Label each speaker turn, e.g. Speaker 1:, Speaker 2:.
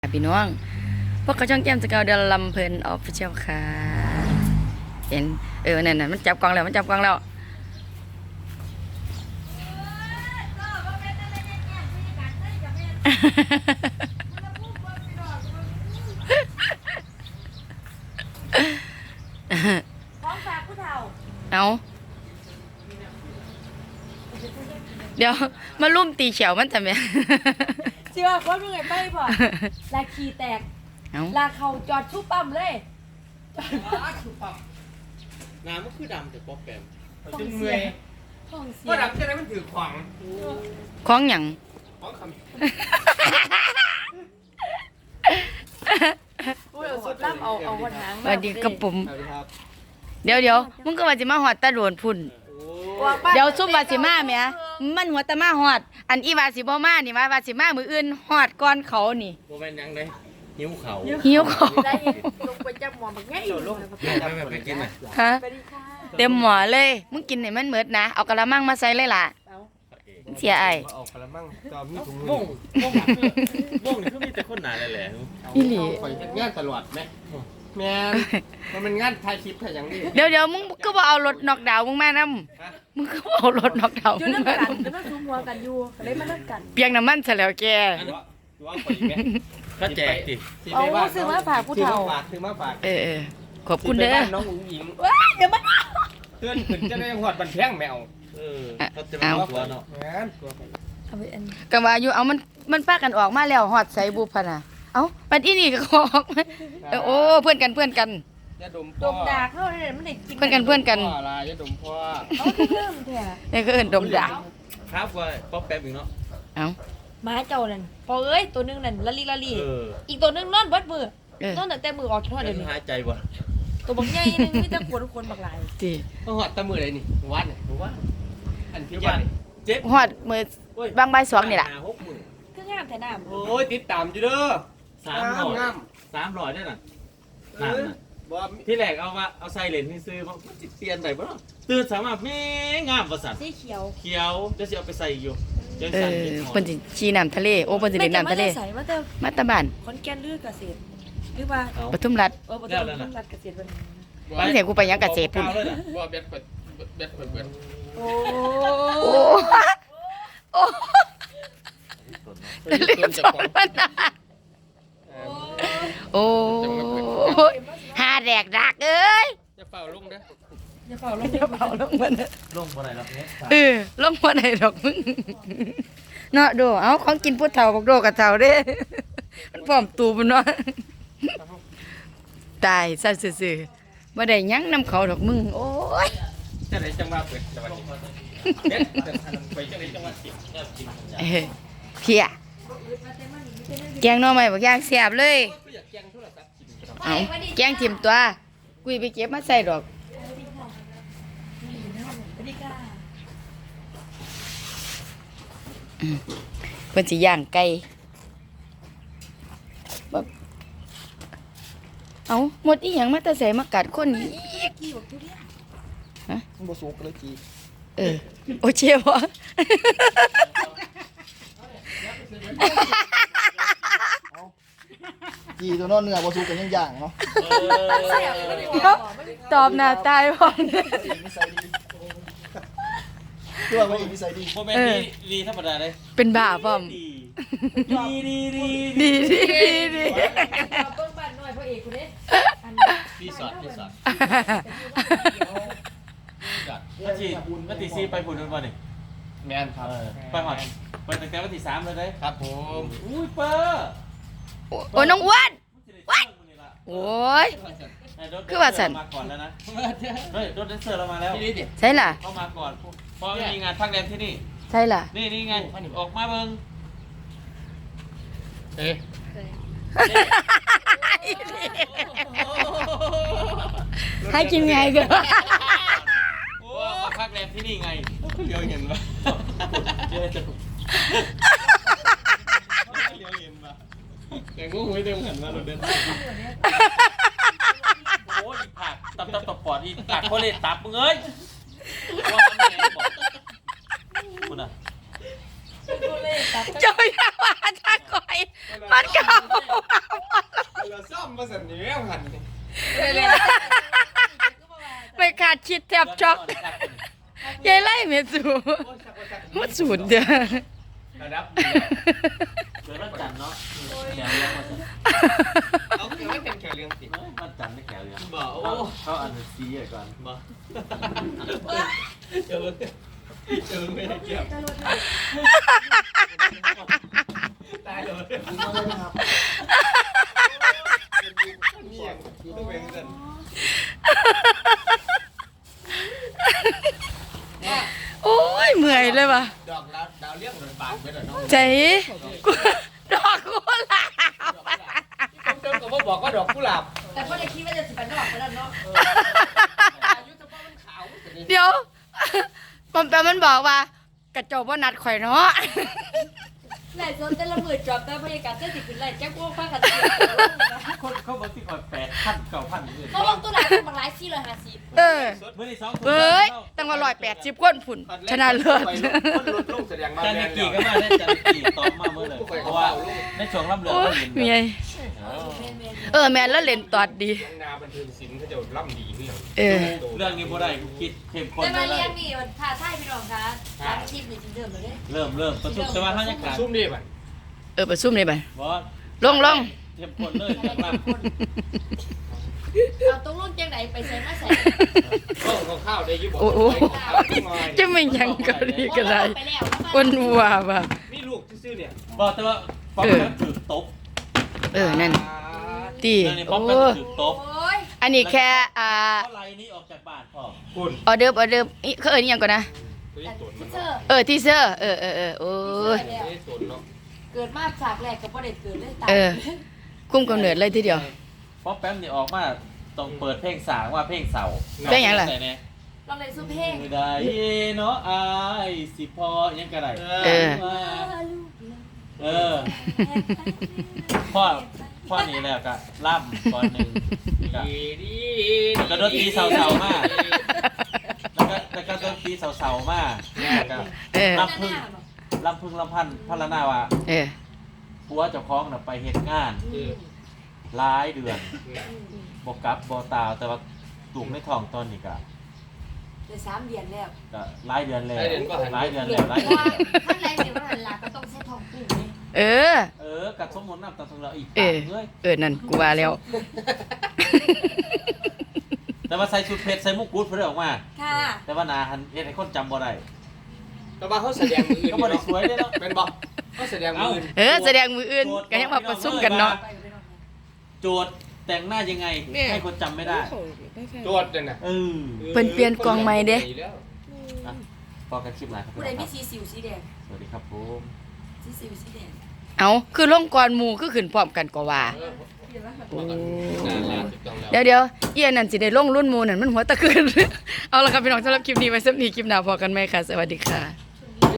Speaker 1: พี่น้องพวกเขาช่องแก้มสกาวเดลลำเพลินออฟฟิเชียลค่ะเห็นนั่นมันจับกล้องแล้ว
Speaker 2: ของฝากผู้เฒ่า
Speaker 1: เอาเดี๋ยวมาลุ่มตีเฉียวมันทำไม
Speaker 2: เชื่อคนมึงไงไปบ่ลาขี่แตกลาเขาจอดชุบปั๊มเลย
Speaker 3: จอดชุบปั๊มน้ำมันคือดำแต่ป๊อปแปม
Speaker 2: จนเมื่อยท้องเสีย
Speaker 3: ก็ดำจะได้มันถือขวาง
Speaker 1: ของหยัง
Speaker 3: ของคำ
Speaker 2: พูดเอาสุดล่ำเอาหัวหาง
Speaker 1: สวัสดีกระปุ่มเดี๋ยวมึงก็ว่าสิมาหอดตะโดนพุ่นเดี๋ยวซุ่มวาสิมาแม่มันหัวตะมาหอดอันอีวาสิบ่มานี่วาสิมามืออื่นหอดก่อนเขานี่
Speaker 3: โมเมนต์ยังได้หิวเขา
Speaker 2: ได้ลงไปจับหมอแบบง่าย
Speaker 3: ลงไม่ไปกินไหม
Speaker 1: ฮะเต็มหมอเลยมึงกินให้มันเหมิดนะเอากระมังมาใส่เลยล่ะเสียไอ้
Speaker 3: เอากระมังจอมมีถุงมือวงนี่คือมีแต่คนหนาแหละ
Speaker 1: อีหลี
Speaker 3: คอยงานตลอดไหมแม่มันเป็นงานถ่ายคลิปถ่ายอย่างนี้
Speaker 1: เดี๋ยวมึงก็บ่เอารถนอกดาวมึงมานำมึงก็เอารถนอกดาว
Speaker 2: อยู่นั่งกันแล้วนั่งซูมหัวกันอยู่เลยมานั่งกัน
Speaker 1: เปียงน้ำมันซะแล้วแก
Speaker 3: ก็แจกติ
Speaker 2: เอาซื้อมาฝากผู้เฒ่า
Speaker 3: ซื้อมาฝาก
Speaker 1: ขอบคุณเด้อ
Speaker 3: น้องอุ๋งอิง
Speaker 2: เดี๋ยวมัน
Speaker 3: เตือนขึ้นจะได้หอดบันแพงแมวเขาจะมาตัวเนาะ
Speaker 2: เอาไปอัน
Speaker 1: ก็ว่าอยู่เอามันพากันออกมาแล้วฮอดใส่บุพน่ะเอ้าปัดอีนี่ก็ออกโอ้เพื่อนกัน
Speaker 3: ยาดม
Speaker 2: ดมดาเข้าเนี่ยมันได้กิน
Speaker 1: เพื่อนกัน
Speaker 3: อะไรยาดมพ่อ
Speaker 2: เอาเริ่มแท้
Speaker 1: นี่ก็เอิ้นดมดา
Speaker 3: ครับว่าป๊อปแป๊บอีกเนาะ
Speaker 1: เอ้า
Speaker 2: ม้าเจ้านั่นพอเอ้ยตัวนึงนั่นละลีอีกตัวนึงนอนเบิดมือนอนแต่มือออกทอดเดี๋ยวนี้
Speaker 3: หายใจบ่
Speaker 2: ตัวบักใหญ่นึงมีแต่ปวดคนบักหลาย
Speaker 1: ติ
Speaker 3: ต้องหอดตะมือเลยนี่วัดเนี่ยว่าอันที่ว่าเจ็บ
Speaker 1: ฮอดมื้อบางใบ2นี่ล่ะ
Speaker 2: คืองามแต่น้ำ
Speaker 3: โอ้ยติดตามอยู่เด้อ300ได้น่ะน้ำน่ะที่แรกเอาใส่เลนที่ซื้อมันเปลี่ยนได้บ่ตื่นสามารถแม่งามว่าซั่น
Speaker 2: สีเขียว
Speaker 3: จะสิเอาไปใส่อยู่
Speaker 1: เพิ่นสิชี้น้ำทะเลโอ้เพิ่นสิเล่นน้ำทะเลมาตะบ้าน
Speaker 2: ขอนแก่นลือเกษตรหรือว่า
Speaker 1: ปทุมรัฐ
Speaker 2: ปทุมรัฐเกษตร
Speaker 1: มันเสียกูไปยังเกษตรพุ่น
Speaker 3: บ่เบ็ด
Speaker 1: โอ้เล่นสอนมันโอ้หาแดกดักเอ้ย
Speaker 3: จะเป่าลงเด้อ
Speaker 2: อย่าเป่าลง
Speaker 1: มัน
Speaker 3: ลงบ่ได้หรอกเนี่ย
Speaker 1: ลงบ่ได้ดอกมึงเนาะดูเอาของกินผู้เฒ่าบอกโดกับเฒ่าเด้มันพร้อมตูบเนาะตายซะซื่อๆบ่ได้ยังนำเขาดอกมึงโอ้ย
Speaker 3: จะได้จังหวะเปิดจังหวะเด็ดไปจังได๋จังหวะกิน
Speaker 1: เพียแกงหน่อไม้บักอย่างแซ่บเลยเอาแกงถิ่มตัวกุยไปเก็บมาใส่ดอกเพิ่นสิย่างไก่เอาหมดอีหยังมาแต่ใส่มากัดคนอีกฮะ
Speaker 3: บ่สุกเลยจี
Speaker 1: โอเช่บ่
Speaker 4: จีตัวนอนเนื้อบ่สุกกันย่างเนาะ
Speaker 1: ตอบหน้าตายพร้อม
Speaker 4: ตัวว่าอีกนิสัยดี
Speaker 3: บ่แม่นดีธรรมดาเลย
Speaker 1: เป็นบ้าพร้อม
Speaker 3: ดี
Speaker 2: เบิ่งบ้านน้อยพ่อเอกคนนี้
Speaker 3: รีสอร์ทวันที่4ไปพุ่นบ่นี่
Speaker 4: แม่นครับ
Speaker 3: ไปฮอดไปตั้งแต่วันที่3เลยเด้ครับผมอุ้ยเปอร์
Speaker 1: โอ้น้องอ้วนโอ้ยคือว่าสัน
Speaker 3: มาก่อนแล้วนะเฮ้ยรถแดนเซอร์เรามาแล้ว
Speaker 1: ใช่ล่ะ
Speaker 3: เข้ามาก่อนเพราะมีงานพักแรมที่นี่
Speaker 1: ใช่ล่ะ
Speaker 3: นี่ไงออกมาเบิ่ง
Speaker 1: ให้กินไงกัน
Speaker 3: โอ้พักแรมที่นี่ไงเลี้ยวเห็นปะเลี้ยวเห็นปะแต่งูไม่เต็มหันมาเราเดินโอ้ยผักตับปอดอีผักโคเลตับมึงเอ้ยว่าทำไงบอกคุณอ่ะ
Speaker 1: เจ้าอย่ามาทักก่อนมันเก่า
Speaker 5: เราซ่อมมาสั่นนี้หัน
Speaker 1: ไม่ขาดคิดแทบช็อกยายไล่เมสูมันสูญเด้อ
Speaker 5: ระดับ
Speaker 3: เกิดวันจันทร์เนาะแขวเรียงมาสิ
Speaker 5: เอาคือไม่เป็นแค่เรื่องสิ
Speaker 3: วันจันทร์ไม่แขวเรียง
Speaker 5: บอกโอ้
Speaker 3: เขาอันนี้ซีก่อน
Speaker 5: บอกเจอไม่ได้เกี่ยวตายเลย
Speaker 4: ยิงมาเลยนะครับ
Speaker 5: นี่ยังต้องเป็นสั่น
Speaker 1: โอ้ยเมื่อยเลยว่ะ
Speaker 5: ดอกแล้วดาวเลี้ยงมันบานไปแล้วน้อง
Speaker 1: ใจดอกกุหลาบ
Speaker 5: เจ้าก็บอกว่าดอกกุหลาบ
Speaker 2: แต่พ่อได้คิดว่าจะสิบเป็นดอกไปแล้วเนาะ
Speaker 5: อายุเฉพาะมันขาว
Speaker 1: เดี๋ยวปอมแปมมันบอกว่ากระจกว่านัดข่อยเนาะ
Speaker 2: แหล่จนแต่ละมือจอบแต่พยากาศเส้นสิขึ้นไหลแจ๊กว่าฟ้ากัน
Speaker 3: คนเขาบอกที่คอย8,000 9,000อื่น
Speaker 2: เขาลงตัวไหนเป็นบางราย450
Speaker 1: เออ
Speaker 3: เมื่อที่2
Speaker 1: เอ้ยตั้งว่า180ก้นผุ่นชนะเลิศ
Speaker 5: คนลดลงแสดงมา
Speaker 3: จัน
Speaker 5: แม
Speaker 3: นิ
Speaker 5: น
Speaker 3: กี่ก็มาได้จันนิกี่ตอมมาเมื่อเลยเพราะว่าในช่วงรับเรือ
Speaker 1: โอ้
Speaker 3: ก็
Speaker 1: ย
Speaker 3: เห็น
Speaker 1: เมียแม่นแล้วเล่นตอดดี
Speaker 5: นาบันเทิงศิลป์เขาจะล่ำดีขึ้น
Speaker 1: เออ
Speaker 3: เรื่องนี้บ่ได้กูคิดเข้มข้น
Speaker 2: แต่มา
Speaker 3: เล
Speaker 2: เรีย
Speaker 3: ย
Speaker 2: นนี่มันท่าท่ายพี่น้องคะตามคลิปนี่จริงเดิมเลย
Speaker 3: เริ่มประชุมแต่ว่าเขายังขาด
Speaker 5: ซุ่มดีป่ะ
Speaker 1: เออไปซุ่มเลยไป
Speaker 3: บอส
Speaker 1: ลง
Speaker 3: เข้มข้นเลยจากล่าง
Speaker 2: เอาตรงลงจังไหนไปใส่มาใส่
Speaker 5: ข้าวได้ยุบ
Speaker 1: โอ้โหจะไม่ยังก็ดีก็ได้อ้วนวัวว่ะ
Speaker 5: มีลูกซื่อเนี่ย
Speaker 3: บอกแต่ว่าป๊อปแป๊บถือตบ
Speaker 1: เออนั่นตี
Speaker 3: เรื่องนี้ป๊อ
Speaker 1: โอ้
Speaker 3: ปแป๊บถือตบ
Speaker 2: โอ้ย
Speaker 1: อันนี้แค่
Speaker 3: เพราะไรนี้ออกจากบ้านพ่อ
Speaker 5: คุณ
Speaker 1: ออเดิร์ฟอีเขาเอ่ยนี่ยังก่อนนะ
Speaker 5: ตัวนี้ตนมัน
Speaker 2: เจอ
Speaker 1: ทีเซอร์โอ้ย
Speaker 5: ตัวนี้ตนเนาะ
Speaker 2: เกิดมาฉากแรกกับประเด็นเกิดเลยตาย
Speaker 1: เออคุ้มกำเนิดเลยทีเดียว
Speaker 3: ป๊อปแป๊บนี่ออกมาต้องเปิดเพลงสางว่าเพลงเสา
Speaker 1: เพลงหยังล่ะ
Speaker 3: ใส่แน่
Speaker 2: ลองเล่นซูเพลง
Speaker 3: ไม่ได้เนาะอายสิพอยังกระไร
Speaker 1: เออ
Speaker 3: เออพ่อนี่แหละก็ล่ำก่อนหนึ่งก็
Speaker 5: ดี
Speaker 3: กระโดดตีเสาๆมากแล้วก็โดนตีเสาๆมากแล้วก็
Speaker 1: เออ
Speaker 3: ลำพึ่งลำพันธ์พัลนาว่า
Speaker 1: เออ
Speaker 3: ผัวเจ้าของน่ะไปเหตุงานหลายเดือนบ่กลับบ่ตาวแต่ว่าลูกในท้องตอนนี้ก็
Speaker 2: เลย3 เดือนแล้ว
Speaker 3: หลายเดือนแล้วหลายเดือน
Speaker 2: เพ
Speaker 3: แล้วหลาย
Speaker 2: ราะ
Speaker 3: เดือน
Speaker 2: ว่า
Speaker 3: แล้ว
Speaker 2: ท่านไรเนี่ยว่าหันหลังก็ต้องใช้ทองกุ้งนี่
Speaker 1: เออ
Speaker 3: กับสมมุติน้ำตาทองเราอีก
Speaker 1: เอ
Speaker 3: ปาก
Speaker 1: อ
Speaker 3: เลย
Speaker 1: นั่นกูว่าแล้ว
Speaker 3: แต่ว่าใส่ชุดเพชรใส่มุกกุดเพิ่นออกมา
Speaker 2: ค่ะ
Speaker 3: แต่ว่าหนาหันเฮ็ดให้คนจำบ่ได้
Speaker 5: แต่ว่าเขาแสดงมือ
Speaker 3: ก็บ่ได้สวยเด้เนาะ
Speaker 5: เป็นบอกเขาแสดงมือ
Speaker 1: แสดงมืออื่นก็ยังมาประซุ่มกันเนาะ
Speaker 2: ไปไปนอน
Speaker 3: โจทย์แต่งหน้ายังไงให้คนจำไม่ได้
Speaker 5: ตรวจเลยนะ
Speaker 1: เพิ่นเปลี่ยนกล่องใหม่เด้
Speaker 3: อ่ะพอกันคลิปหน้าครับ
Speaker 2: ผู้ใดมีสีสิวสีแดง
Speaker 3: สวัสดีครับผม
Speaker 2: สีสิวสีแดง
Speaker 1: เอาคือลงก่อนหมู่คือขึ้นพร้อมกันก็ว่า
Speaker 2: เดี๋ยวนะ
Speaker 1: โอ้เดี๋ยวเอียนั่นสิได้ลงรุ่นหมู่นั่นมันหัวตะคืน เอาละครับพี่น้องสำหรับคลิปนี้ไว้สำหรับคลิปหน้าพอกันไหมค่ะ สวัสดีค่ะ